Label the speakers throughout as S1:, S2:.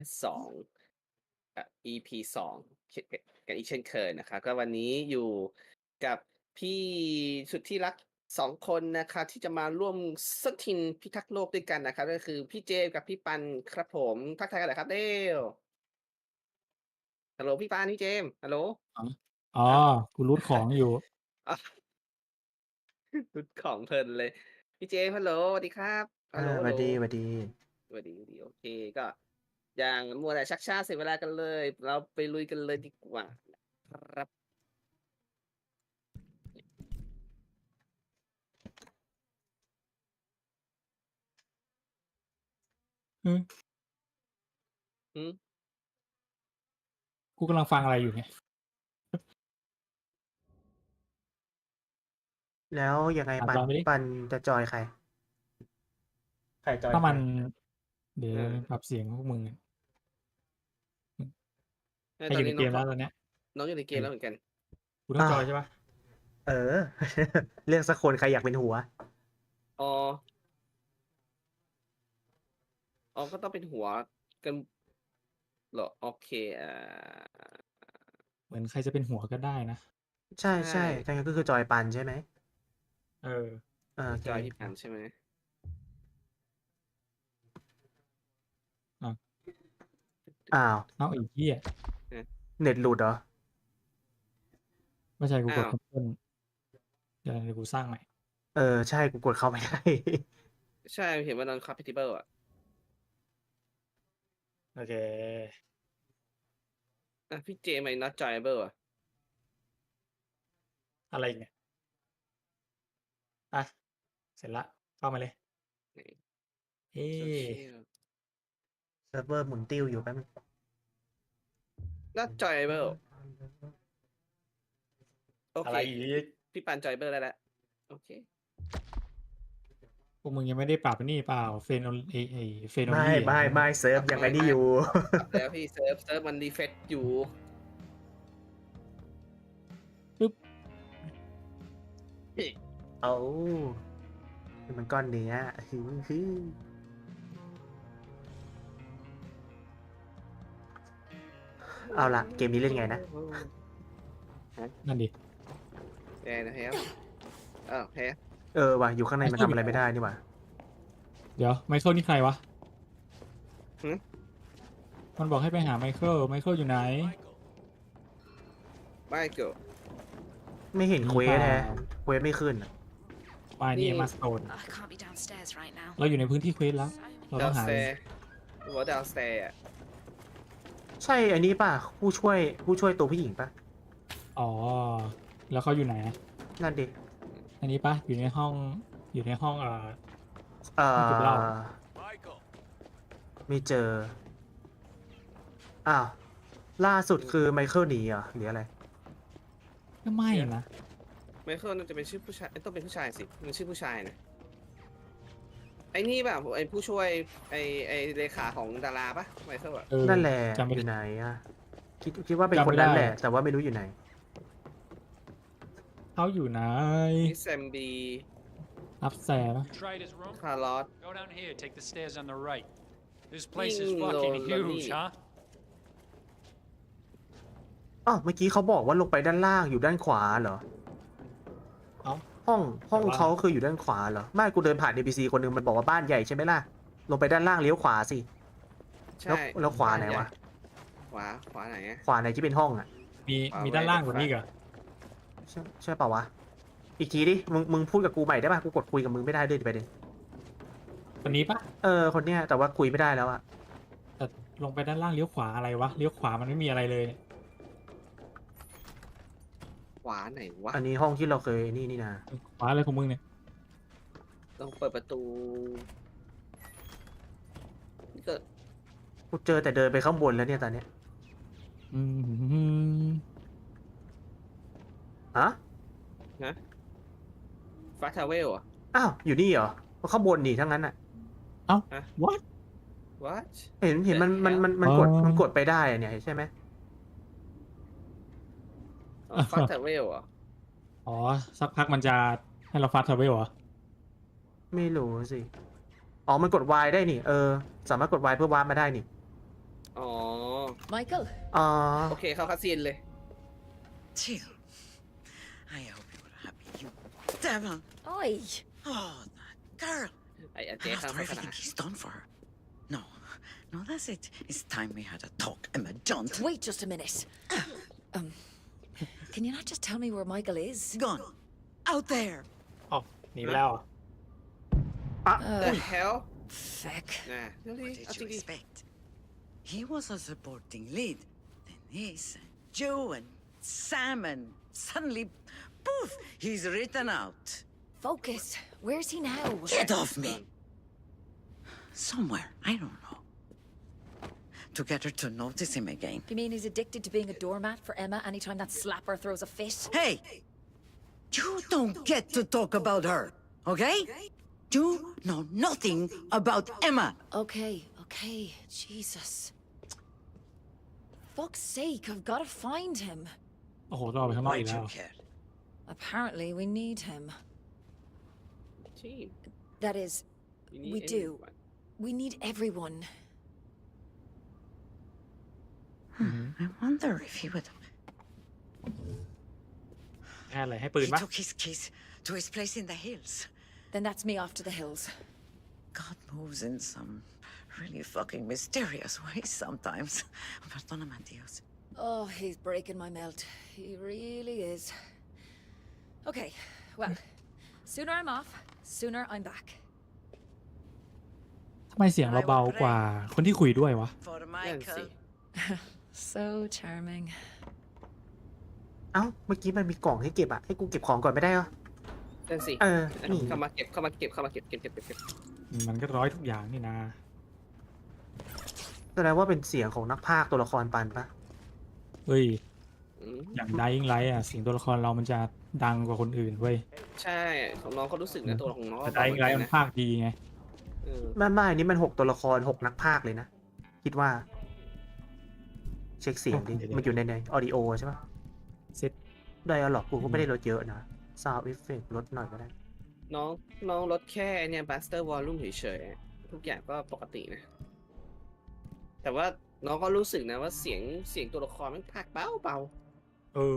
S1: 2EP 2เช่นกันอีกเช่นเคยนะครับก็วันนี้อยู่กับพี่สุดที่รัก2คนนะครับที่จะมาร่วมสนทินพิทักษ์โลกด้วยกันนะครับก็คือพี่เจมส์กับพี่ปันครับผมทักทายกันหน่อยครับเร็วฮัลโหลพี่ปันพี่เจมส์ฮัลโหล
S2: อ๋ออ๋อ
S1: อ้าว
S2: กูรูทของอยู่
S1: อ้าวรุดของเพลินเลยพี่เจมส์ฮัลโหลสวัสดีครับฮัลโหลฮัลโหล
S3: หวัดดีหวัดดี
S1: สวัสดีโอเคก็อย่างมัวแต่ชักช้าเสียเวลากันเลยเราไปลุยกันเลยดีกว่านะครับ
S2: อืม
S1: อืม
S2: กูกำลังฟังอะไรอยู่เนี่ย
S3: แล้วยังไงปัน
S2: ลองไปดิ
S3: ปันจะจอยใครใครจอย
S2: ถ้า
S3: ใคร
S2: มันเดี๋ยว
S1: อา
S2: ปรับเสียงพวกมึง
S1: เออ
S2: ให้อยู่ในเก
S1: ตอนนี้น้องก็
S2: มแล้วตอนเนี้ย
S1: น้องอยู่ในเก
S2: เออ
S1: มแล้วเหมือนกัน
S2: กูต้องจอยใช่ปะ
S3: เออ เลือกสักคนใครอยากเป็นหัว
S1: อ๋ออ๋อก็ต้องเป็นหัวกันเหรอโอเค
S2: เหมือนใครจะเป็นหัวก็ได้นะ
S3: ใช่
S1: ใช่
S3: ใช่ถ้างั้นก็คือจอยปันใช่ไหม
S2: เออ
S3: โอเค
S1: จอยที่ผ่านใช่ไหม
S2: อ่ะ
S3: อ้าว
S2: เอาไอ้เหี้ย
S1: อา
S3: เน็ตหลุดเหรอ
S2: ไม่ใช่กูก
S1: อ้าว
S2: ดแคนเซิลเดี๋ยวกูสร้างใหม่
S3: เออใช่กูกดเข้าไม่ได้
S1: ใช่เห็นว่า non-compatible อะ
S2: โอเค
S1: พี่เจทำไม not joinable อะ
S2: อะไรอีกเนี่ยอ่ะเสร็จละเข้ามาเลย
S1: ไหน
S2: เอ๊ะ
S1: social
S3: เซิร์ฟเวอร์หมุนติ้วอยู่แป๊บนึง
S1: not joinable โอเค
S2: อะไรอีก
S1: พี่ปัน joinable ได้แล้วโอเค
S2: พวกมึงยังไม่ได้ปรับนี่เปล่าเฟนไอเฟนอ
S3: ไม่
S2: ลี่
S3: ไม่ไม่เซิร์ฟยังไงนี่อยู่
S1: ปรับแล้วพี่เซิร์ฟมัน refresh อยู่
S2: ปึ๊บ
S3: เอานี่มันก้อนเนื้อฮึฮึเอาล่ะเกมนี้เล่นไงนะ
S2: นั่นดิ
S1: ยังไงนะครับอ้าวแพ้
S3: เออว่ะอยู่ข้างในมันทำอะไรไม่ได้นี่หว่า
S2: เดี๋ยวไมเคิลนี่ใครวะ
S1: หึ
S2: มันบอกให้ไปหาไมเคิลอยู่ไหน
S1: ไม่เกิด
S3: ไม่เห็นเควสแฮะเควสไม่ขึ้นอะ
S2: มานี่
S1: นี่
S2: มาสโตน
S4: I can't be downstairs right now.
S2: เราอยู่ในพื้นที่เควสแล้ว เราต้องหา
S1: downstairs หัว downstairs อะ
S3: ใช่อันนี้ป่ะผู้ช่วยตัวผู้หญิงป่ะ
S2: อ๋อ แล้วเขาอยู่ไหนอะ
S3: นั่นดิ
S2: อันนี้ปะอยู่ในห้อง
S3: เอ่อ
S2: เก็บเหล้า
S3: ไม่เจออ้าวล่าสุดคือไมเคิลหนีเหรอหรืออะไร
S2: ก็ไม่นะ
S1: ไมเคิลน่าจะเป็นชื่อผู้ชายต้องเป็นผู้ชายสิมันชื่อผู้ชายนะไอ้นี่ป่ะไอ้ผู้ช่วยไอ้เลขาของดาราป่ะไมเคิลอะ
S2: เออ
S3: นั่นแหละ
S2: จำไม่
S3: อยู่
S2: ได้
S3: ไหนอะคิดว่าเป็น
S2: จำ
S3: ค
S2: ไม่
S3: นนั้น
S2: ได้
S3: แหละ แต่ว่าไม่รู้อยู่ไหน
S2: เขาอยู่ไหน
S1: นี่แซมบี
S2: อัพแซร์ปะ
S5: You tried his room?
S1: คาร์ลอส
S5: Go down here, take the stairs on the right. This place is
S1: Ding
S5: fucking
S1: dong,
S5: huge,
S1: dong.
S5: huh?
S3: อ้าวเมื่อกี้เขาบอกว่าลงไปด้านล่างอยู่ด้านขวาเหรอ
S2: เอ้า
S3: ห้องเขาคืออยู่ด้านขวาเหรอไม่กูเดินผ่าน NPC คนหนึงมันบอกว่าบ้านใหญ่ใช่ไหมล่ะลงไปด้านล่างเลี้ยวขวาสิ
S1: ใช่
S3: แล้วขวาไหนวะ
S1: ขวาไหนอะ
S3: ขวาไหนที่เป็นห้องอ่ะ
S2: มี
S1: ขวา
S2: มีด้านล่างกว่า
S1: ไว้
S2: นี้อีกเหรอ
S3: ใช่เปล่าวะอีกทีดิมึงพูดกับกูใหม่ได้ป่ะกูกดคุยกับมึงไม่ได้ด้วยประเด็น
S2: คนนี้ปะ
S3: คนเนี้ยแต่ว่าคุยไม่ได้แล้วอะ
S2: แต่ลงไปด้านล่างเลี้ยวขวาอะไรวะ เลี้ยวขวามันไม่มีอะไรเลยเนี่ย
S1: ขวาไหนวะ
S3: อันนี้ห้องที่เราเคยนี่นะ
S2: ขวาอะไรของมึงเนี่ย
S1: ต้องเปิดประตูนี่ก็
S3: กูเจอแต่เดินไปข้างบนแล้วเนี่ยตอนเนี้ย
S2: อืม
S3: ฮะ
S1: ฟาทาเวลอะ
S3: อ้าวอยู่นี่เหรอข้างบนนี่ทั้งนั้นอะ
S2: เอ้า
S1: ฮะ
S2: what
S1: what
S3: เห็นมัน
S2: อ๋อ
S3: กดไปได้อะเนี่ยใช่ไหม
S1: ฟาทาเวลอะ
S2: อ๋อ สักพักมันจะให้เราฟาสต์ทราเวลเหรอ
S3: ไม่รู้สิอ๋อมันกด Y ได้นี่สามารถกด Y เพื่อวาร์ปมาได้นี่
S1: อ๋อ
S4: Michael,
S3: อ๋อ
S1: โอเคเข้าคาซีนเลย
S6: Jill, I hope you're happy, you devil.
S4: oi.
S6: Oh, that girl.
S1: ไอ้เจ๊
S6: And
S1: ข้าม
S6: after
S1: โฆษณา
S6: everything he's done for her. No, no, that's it. It's time we had a talk, Emma. Don't.
S4: Wait just a minute. Can you not just tell me where Michael is?
S6: Gone. Out there.
S2: อ๋อหนีไปแล้วเหรอ
S1: The hell
S4: Feck.
S1: นะเดี๋ยวดิ
S6: What did
S1: เอาจ
S6: you
S1: ริง
S6: expect? He was a supporting lead. Then this, Joe and Sam, and suddenly, poof, he's written out.
S4: Focus. Where's he now?
S6: Get off me. Somewhere, I don't know. To get her to notice him again.
S4: You mean he's addicted to being a doormat for Emma anytime that slapper throws a fit?
S6: Hey! You don't get to talk about her, okay? You know nothing about Emma.
S4: Okay, okay. Jesus. Fuck's sake, I've got to find him.
S2: โอ้โหต้องออกไปข้างนอก
S6: Why
S2: อีก
S6: do
S2: แล้
S6: you
S2: ว
S6: care?
S4: Apparently, we need him.
S1: ที่
S4: That is,
S1: you need
S4: we do.
S1: everyone.
S4: We need everyone.
S6: I wonder if he would.
S2: แค่อะไรให้ปืน
S6: He
S2: ปะ
S6: took his keys to his place in the hills.
S4: Then that's me off to the hills.
S6: God moves in some really fucking mysterious ways sometimes. Perdóname, Dios.
S4: Oh, he's breaking my melt. He really is. Okay, well, sooner I'm off, sooner I'm back.
S2: ทำไมเสียงเราเบากว่าคนที่คุยด้วยวะ
S6: For
S1: นั่นสิ
S6: Michael.
S4: So charming.
S3: เอ้า เมื่อกี้มันมีกล่องให้เก็บอะให้กูเก็บของก่อนไม่ได้เหรอ
S1: นั่นสิ
S3: เออ นี่
S1: เข้ามาเก็บเข้ามาเก็บเข้ามาเก็บเก็บเก็บเก็บเก็บ
S2: มันก็ร้อยทุกอย่างนี่นะ
S3: แสดงว่าเป็นเสียงของนักพากย์ตัวละครปันปะ
S2: เฮ้ย
S1: อืม
S2: อย่าง Dying Light อ่ะเสียงตัวละครเรามันจะดังกว่าคนอื่นเว้ย
S1: ใช่ของน้องเขารู้สึกนะตัวของน้อง
S2: แต่
S1: ก็บอก
S2: Dying Light มัน
S1: นะ
S2: ภาคดีไง
S1: เออ
S3: ไม่อันนี้มัน6 ตัวละคร 6 นักพากย์เลยนะ คิดว่า เช็คเสียงดิ
S2: เดี๋ยว
S3: มันอยู่ในออดิโอใช่ปะ
S2: เซ็ต
S3: ไดอะล็อกกูก็ไม่ได้ลดเยอะนะ ซาวด์เอฟเฟกลดหน่อยก็ได้
S1: น้องลดแค่เนี่ยบัสเตอร์วอลลุ่มเฉยๆทุกอย่างก็ปกตินะ แต่ว่าน้องก็รู้สึกนะว่าเสียงตัวละครมันพากเบา
S2: เออ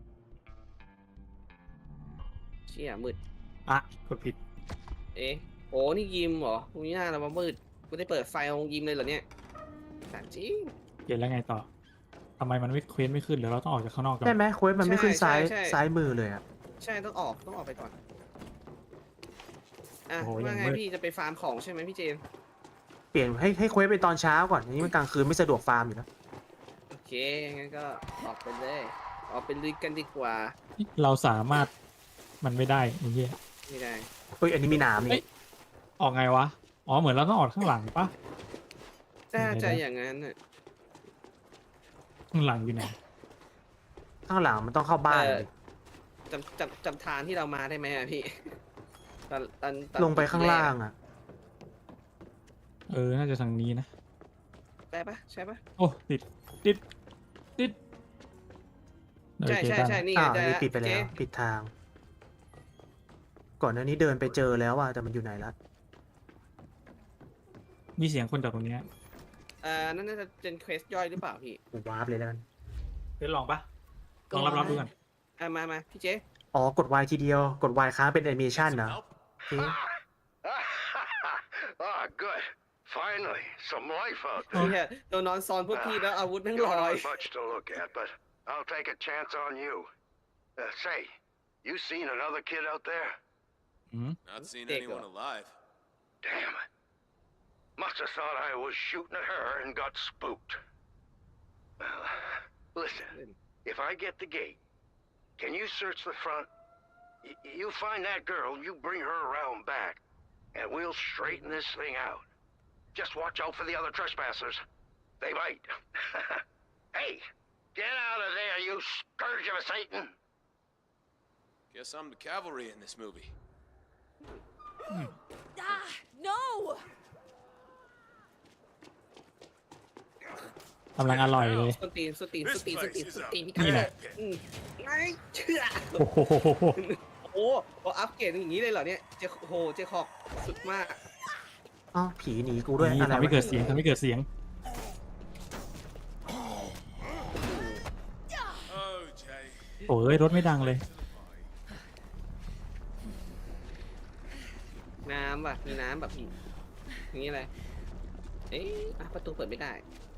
S1: เชี่ยมืด
S2: อ่ะกดผิด
S1: เอ๊ะโอ้นี่ยิมเหรอมีหน้าเรามามืดกูได้เปิดไฟของยิมเลยเหรอเนี่ยสารจริง
S2: เปลี่ยนแล้วไงต่อทำไมมันไม่เควสไม่ขึ้นหรือเราต้องออกจากข้างนอกก่อน
S3: ใช่ไหมโค้ดมันไม่ขึ้น
S1: ใช่
S3: ซ้าย
S1: ใช่
S3: ซ้ายมือเลยอะ
S1: ใช่ต้องออกไปก่อนอ่ะ
S2: โอ้โห
S1: ว่าไง
S2: ยังมืด
S1: พี่จะไปฟาร์มของใช่ไหมพี่เจน
S3: เปลี่ยนให้โค้ดไปตอนเช้าก่อนอันนี้มันกลางคืนไม่สะดวกฟาร์มอยู่นะ
S1: โอเคงั้นก็ออกไปเลยออกไปลุยกันดีกว่า
S2: เราสามารถมันไม่ได้ไอ้เหี้ย
S1: ไม่ได้
S3: เฮ้ย อันนี้มีหนาม
S2: เอ้
S3: นี่
S2: ย ออกไงวะ อ๋อเหมือนเราต้องออกข้างหลังปะ
S1: น่าจะ
S2: ไหนๆ
S1: อย่างนั้นน่ะ
S2: ข้างหลังอยู่ไหน
S3: ข้างหลังมันต้องเข้าบ้าน
S1: เออ
S3: เลย
S1: จำทางที่เรามาได้ไหมอะพี่ ตอน
S3: ลงไปข้างล่างอะ
S2: เออ น่าจะทางนี้นะ
S1: ได้ปะใช่ปะ
S2: โอ้ติดเออ
S1: ใช่
S2: เจ
S1: ใช่
S2: ตัน
S1: ใช่นี่
S3: อ้า
S1: ไง
S3: วอัน
S1: ได้
S3: นี้
S1: ละ
S3: ปิดไปแล้ว
S1: เจ๊
S3: ปิดทาง ก่อนหน้านี้เดินไปเจอแล้วอะแต่มันอยู่ไหนละ
S2: มีเสียงคนจากตรงเนี้ย
S1: นั่นน่าจะเป็นเควสย่อยหรือเปล่าพี่
S3: กูวาร์ปเลยแล้วกัน
S2: เดี๋ยวลองปะลองรับดูกัน
S1: มาพี่เจ
S3: อ๋อกด Y ทีเดียว กด Y ค้างเป็นแอนิเมชันนะโอเค
S7: Ah, good. Finally, some life out
S1: พี่
S7: there.
S1: โดนนอนซอนพวกพี่แล้วอาวุธแม่ง
S7: You
S1: ล
S7: don't
S1: อย
S7: have much to look at, but I'll take a chance on you. Say, you seen another kid out there?
S2: อืม
S8: Not seen
S1: There you
S8: anyone
S1: go.
S8: alive.
S7: Damn it. Must have thought I was shooting at her and got spooked. Well, listen, if I get the gate, can you search the front? You find that girl, you bring her around back, and we'll straighten this thing out. Just watch out for the other trespassers. They bite. Hey, get out of there, you scourge of Satan!
S8: Guess I'm the cavalry in this movie.
S4: Ah, no!
S2: กำลังอร่อยเลย
S1: สตีนพี่
S2: นี่แหละ
S1: ไม่เชื่อ
S2: โอ้โห
S1: โอ้โหอัพเกรดอย่างนี้เลยเหรอเนี่ยเจคอบสุดมาก
S3: อ๋อผีหนีกูด้วย
S2: นี่
S3: อะไร
S2: ทำให้
S3: วะ
S2: เกิดเสียงทำให้เกิดเสียงโอ้ยรถไม่ดังเลย
S1: น้ำว่ะมีน้ำแบบนี้อย่างนี้อะไรเอ๊ะอ่ะประตูเปิดไม่ได้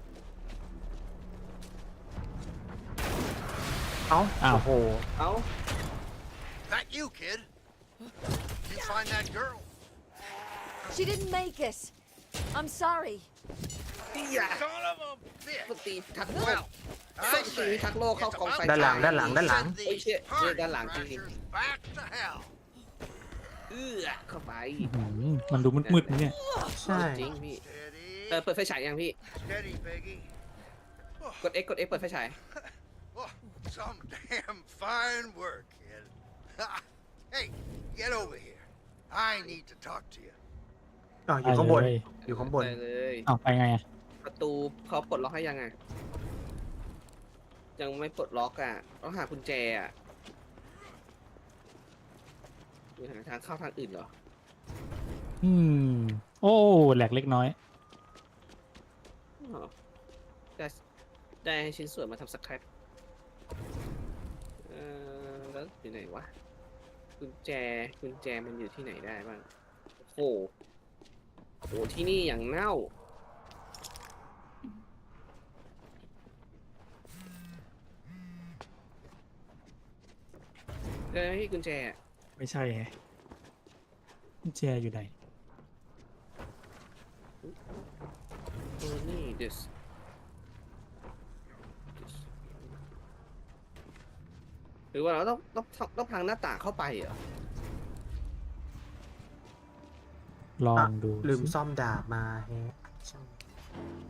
S3: เอ้า
S2: อ้าว
S3: โอ้โห
S1: เอ้า
S7: That you, kid? You find that girl?
S4: She didn't make it. I'm sorry.
S1: อย่า
S7: Son of a
S1: ป
S7: bitch!
S1: ตีทักโลก
S7: Well,
S1: ส
S7: I
S1: ตี
S7: say,
S1: ทักโลกเข้ากองไฟ
S3: ด้านหลัง
S1: ฉาย
S3: ด้านหลังด้านหลัง
S7: send these
S1: shit.
S7: party
S1: ด้านหลังจริง
S7: crashers back to hell.
S1: เอื้อเข้าไป
S2: มันดูมืดๆนะเนี่ย
S3: ใช่
S1: จริงพี่
S7: Steady.
S1: เปิดไฟฉายยังพี่
S7: Steady, Peggy.
S1: กด X กด X เปิดไฟฉาย
S7: Oh, some damn fine work, kid. Hey, get over here. I need to talk to you.
S3: อ๋ออยู่ข้างบน
S2: ไปเลย
S3: อยู่ข้างบน
S1: ไปเลย
S2: เอาไปไงอะ
S1: ประตูเขาปลดล็อกให้ยังไงยังไม่ปลดล็อกอ่ะต้องหากุญแจอ่ะมีหาทางเข้าทางอื่นเหรอ
S2: อืม โอ้แหลกเล็กน้อย
S1: อ๋อได้ชิ้นส่วนมาทำสครับแล้วอยู่ไหนวะกุญแจมันอยู่ที่ไหนได้บ้างโอ้โหที่นี่อย่างเน่าเลยไหมพี่กุญแจอะ
S2: ไม่ใช่ไงกุญแจอยู่ไหน
S1: นี่ this หรือว่าเราต้องพังหน้าต่างเข้าไปเหรอ
S2: ลองดู
S3: ลืม
S2: สิ
S3: ซ่อมดาบมาแฮะ